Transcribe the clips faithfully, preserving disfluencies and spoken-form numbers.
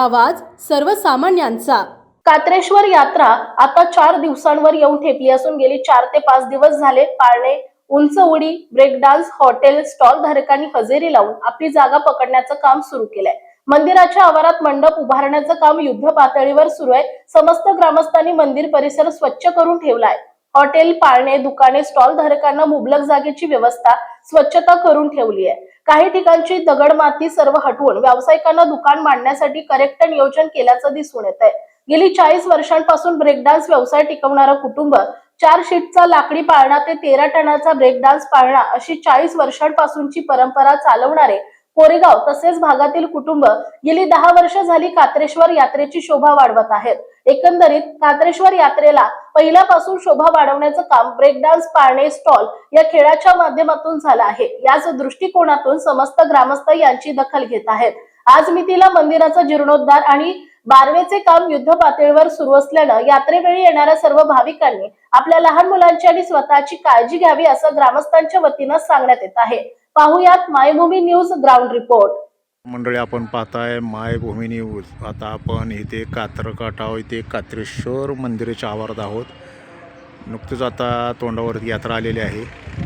आवाज सर्वसामान्यांचा। कात्रेश्वर यात्रा आता चार दिवसांवर येऊन ठेपली असून गेली चार ते पाच दिवस झाले पाळणे, उंच उडी, ब्रेक डान्स, हॉटेल, स्टॉल धारकांनी हजेरी लावून आपली जागा पकडण्याचं काम सुरू केलंय। मंदिराच्या आवारात मंडप उभारण्याचं काम युद्ध पातळीवर सुरू आहे। समस्त ग्रामस्थांनी मंदिर परिसर स्वच्छ करून ठेवलाय। हॉटेल, पाळणे, दुकाने, स्टॉल धारकांना मुबलक जागेची व्यवस्था, स्वच्छता करून ठेवली आहे। काही ठिकाणची दगड माती सर्व हटवून व्यावसायिकांना दुकान मांडण्यासाठी करेक्ट नियोजन केल्याचं दिसून येत आहे। गेली चाळीस वर्षांपासून ब्रेक डान्स व्यवसाय टिकवणारं कुटुंब, चार शीटचा लाकडी पाळणा ते तेरा टनाचा ब्रेक डान्स पाळणा अशी चाळीस वर्षांपासूनची परंपरा चालवणारे कोरेगाव तसेच भागातील कुटुंब गेली दहा वर्ष झाली कात्रेश्वर यात्रेची शोभा वाढवत आहेत। एकंदरीत कात्रेश्वर यात्रेला पहिल्यापासून शोभा वाढवण्याचं काम ब्रेक डान्स, पाळणे, स्टॉल या खेळाच्या माध्यमातून झालं आहे। याच दृष्टिकोनातून समस्त ग्रामस्थ यांची दखल घेत आहेत। आज मितीला मंदिराचा जीर्णोद्धार आणि बारवेचे काम युद्ध पातळीवर सुरू असल्यानं यात्रेवेळी येणाऱ्या सर्व भाविकांनी आपल्या लहान मुलांची आणि स्वतःची काळजी घ्यावी असं ग्रामस्थांच्या वतीनं सांगण्यात येत आहे। पाहुयात मायभूमी न्यूज ग्राउंड रिपोर्ट। मंडळी, आपण पाहताय मायभूमी न्यूज। आता आपण इथे कात्रकाटाव इथे कात्रेश्वर मंदिराच्या आवारात आहोत। नुकतीच आता तोंडावरती यात्रा आलेली आहे।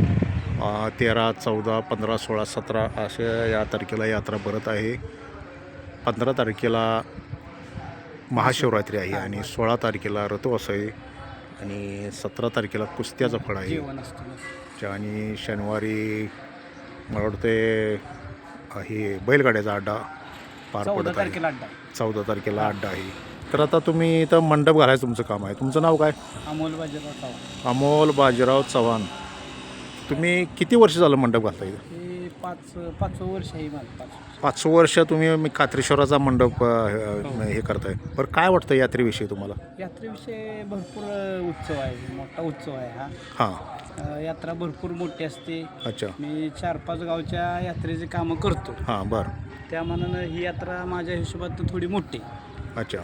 तेरा चौदा पंधरा सोळा सतरा अशा या तारखेला यात्रा भरत आहे। पंधरा तारखेला महाशिवरात्री आहे आणि सोळा तारखेला रथोत्सव आहे आणि सतरा तारखेला कुस्त्याचा फळ आहे आणि शनिवारी मला वाटते हे बैलगाड्याचा अड्डा पार पडत आहे। चौदा तारखेला अड्डा आहे। तर आता तुम्ही इथं मंडप घालायचं तुमचं काम आहे। तुमचं नाव काय? अमोल बाजीराव चव्हाण। अमोल बाजीराव चव्हाण। तुम्ही किती वर्ष झालं मंडप घालता इथं? हे पाच पाचवं वर्ष आहे माझं। पाच पाच वर्ष तुम्ही कात्रेश्वराचा मंडप हे करताय। बरं, काय वाटतं यात्रेविषयी तुम्हाला? यात्रेविषयी भरपूर उत्सव आहे, मोठा उत्सव आहे हा। हां, यात्रा भरपूर मोठी असते। अच्छा। मी चार पाच गावच्या यात्रेचे कामं करतो। हां, बरं। त्या मानानं ही यात्रा माझ्या हिशोबात थोडी मोठी। अच्छा,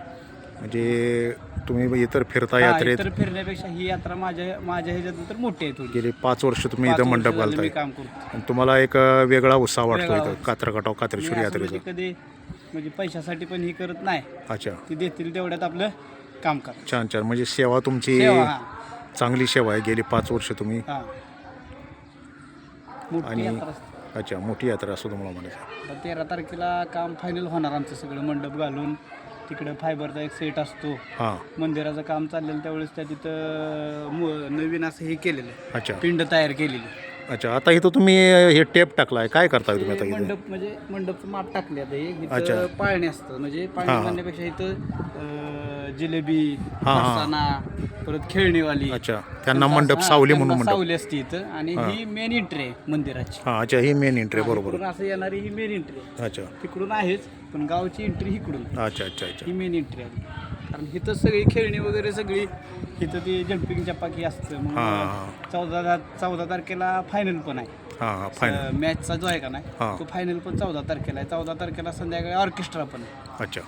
म्हणजे तुम्ही इतर फिरता यात्रेत? इतर फिरण्यापेक्षा ही यात्रा माझ्या माझ्या ह्याच्यात तर मोठी आहे थोडी। गेली पाच वर्ष तुम्ही इथं मंडप घालताय काम करतो आणि तुम्हाला एक वेगळा उत्साह वाटतो इथं कात्रकाटाव कात्रेश्वर यात्रेचा? कधी म्हणजे पैशासाठी पण ही करत नाही। अच्छा, ती देतील तेवढ्यात आपलं काम कर। छान छान, म्हणजे सेवा तुमची चांगली सेवा आहे। गेली पाच वर्ष तुम्ही आणि अच्छा मोठी यात्रा असं तुम्हाला म्हणायचं। तेरा तारखेला काम फायनल होणार आमचं सगळं मंडप घालून। तिकडं फायबरचा एक सेट असतो। हां, मंदिराचं काम चाललेलं त्यावेळेस त्या तिथं नवीन असं हे केलेलं आहे। अच्छा, पिंड तयार केलेली। अच्छा। आता इथं तुम्ही हे टेप टाकलाय, काय करताय तुम्ही आता इथे? मंडप म्हणजे मंडपचं माप टाकले आता हे पाळणे असतं, म्हणजे पाळणे म्हणण्यापेक्षा इथं जिलेबी, फरसाणा, परत खेळणीवाली, अच्छा, त्यांना मंडप सावली म्हणून सावली असते इथं। आणि ही मेन एंट्री आहे मंदिराची। हां, अच्छा, ही मेन एंट्री बरोबर। असं येणारी ही मेन एंट्री आहे। अच्छा, तिकडून आहेच पण गावची एंट्री इकडून। अच्छा अच्छा अच्छा, ही मेन एंट्री आहे। कारण इथं सगळी खेळणी वगैरे सगळी इथं ती जम्पिंग चपाकी असतं। चौदा चौदा तारखेला फायनल पण आहे। हां हां, फायनल मॅचचा जो आहे का नाही तो फायनल पण चौदा तारखेला आहे। चौदा तारखेला संध्याकाळी ऑर्केस्ट्रा पण आहे। अच्छा,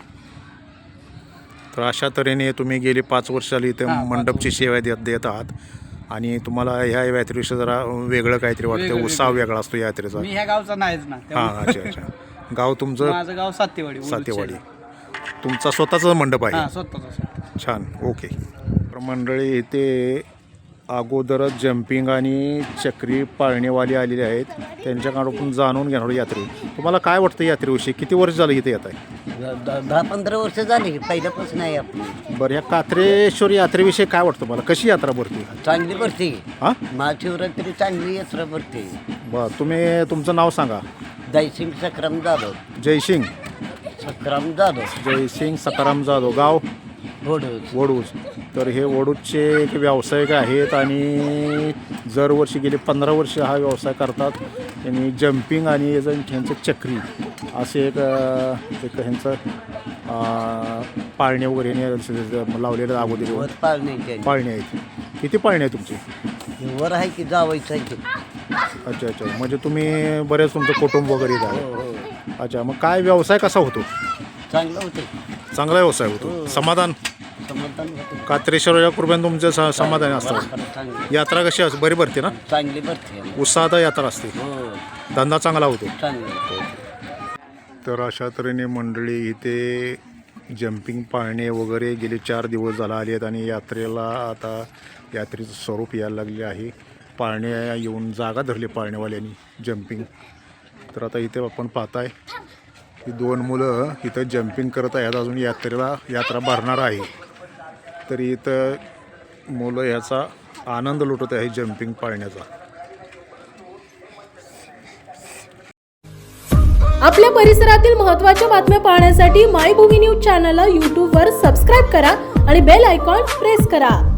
तर अशा तऱ्हेने तुम्ही गेली पाच वर्ष झाली इथं मंडपची सेवा देत देत आहात आणि तुम्हाला ह्या यात्रेविषयी जरा वेगळं काहीतरी वाटतं, उत्साह वेगळा असतो यात्रेचा। मी ह्या गावचा नाहीच ना। हां, अच्छा अच्छा। गाव तुमचं? माझं गाव सातेवाडी। सातेवाडी। तुमचा स्वतःचा मंडप आहे? स्वतःचा। छान, ओके। मंडळी, इथे अगोदरच जम्पिंग आणि चक्री पाळणेवाली आलेले आहेत, त्यांच्याकडून पण जाणून घेणार यात्रे। तुम्हाला काय वाटतं यात्रेविषयी? किती वर्ष झालं इथे येत आहे? दहा पंधरा वर्ष झाली पहिल्यापासून आहे आपली। बरं, ह्या कात्रेश्वर यात्रेविषयी काय वाटतं मला? कशी यात्रा भरते? चांगली भरते। हां, महाशिवरात्री चांगली यात्रा भरते। बरं, तुम्ही तुमचं नाव सांगा? जयसिंग सखाराम जाधव। जयसिंग सखाराम जाधव। जयसिंग सखाराम जाधव। गाव? वडूज। वडूज। तर हे वडूजचे एक व्यावसायिक आहेत आणि दरवर्षी गेले पंधरा वर्ष हा व्यवसाय करतात। त्यांनी जम्पिंग आणि ह्यांचं चक्री असे एक एक ह्यांचं पाळणे वगैरे लावलेलं अगोदर पाळणे पाळणे आहेत। किती पाळणे आहे तुमची? वर आहे की जावायचं आहे की। अच्छा अच्छा, म्हणजे तुम्ही बरेच तुमचं कुटुंब वगैरे आहे? अच्छा, मग काय व्यवसाय कसा होतो? चांगलं होतं। चांगला व्यवसाय होतो। समाधान? समाधान होतं। कात्रेश्वराच्या कृपेने तुमचं समाधान असतं। यात्रा कशी असते? बरी भरते ना? चांगली भरते। उत्साहात यात्रा असते, धंदा चांगला होतो। चांगलं। तर अशा तऱ्हेने मंडळी इथे जम्पिंग पाळणे वगैरे गेले चार दिवस झाला आले आहेत आणि यात्रेला आता यात्रेचं स्वरूप यायला लागले आहे. पाळणे येऊन जागा धरली पाळणेवाल्यांनी जम्पिंग. तर आता इथे आपण पाहताय ही दोन मुलं इथं जम्पिंग करत आहेत. अजून यात्रेला यात्रा भरणार आहे तरी इथं मुलं याचा आनंद लुटत आहे जम्पिंग पाळण्याचा. आपल्या परिसरातील महत्त्वाच्या बातम्या पाहण्यासाठी मायभूमी न्यूज चॅनलला यूट्यूबवर सबस्क्राईब करा आणि बेल आयकॉन प्रेस करा.